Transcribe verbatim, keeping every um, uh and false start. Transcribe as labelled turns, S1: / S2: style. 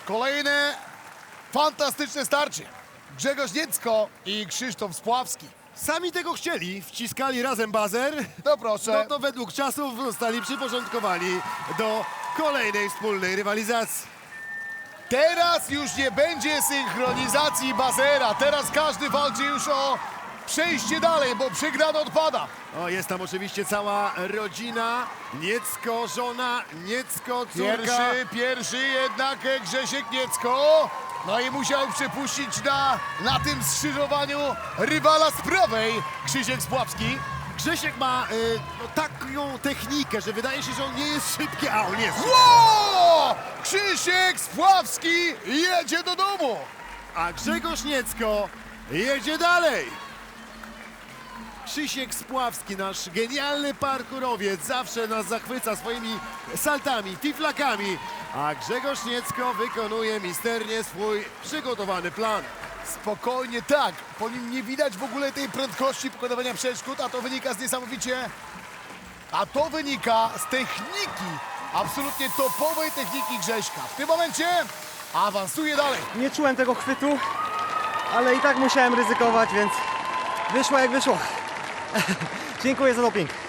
S1: Kolejne fantastyczne starcie. Grzegorz Niecko i Krzysztof Spławski.
S2: Sami tego chcieli, wciskali razem bazer.
S1: No proszę.
S2: No to według czasów zostali przyporządkowani do kolejnej wspólnej rywalizacji.
S1: Teraz już nie będzie synchronizacji bazera. Teraz każdy walczy już o przejście dalej, bo przegrany odpada.
S2: O, jest tam oczywiście cała rodzina. Niecko, żona, Niecko, córka.
S1: Pierwszy, pierwszy jednak Grzesiek Niecko. No i musiał przepuścić na, na tym skrzyżowaniu rywala z prawej, Krzysiek Spławski.
S2: Grzesiek ma y, no, taką technikę, że wydaje się, że on nie jest szybki, a on jest.
S1: Ło! Krzysiek Spławski jedzie do domu.
S2: A Grzegorz Niecko jedzie dalej. Krzysiek Spławski, nasz genialny parkurowiec, zawsze nas zachwyca swoimi saltami, fiflakami, a Grzegorz Niecko wykonuje misternie swój przygotowany plan.
S1: Spokojnie, tak. Po nim nie widać w ogóle tej prędkości pokonywania przeszkód, a to wynika z niesamowicie... A to wynika z techniki, absolutnie topowej techniki Grześka. W tym momencie awansuje dalej.
S3: Nie czułem tego chwytu, ale i tak musiałem ryzykować, więc wyszło jak wyszło. Dziękuję za doping.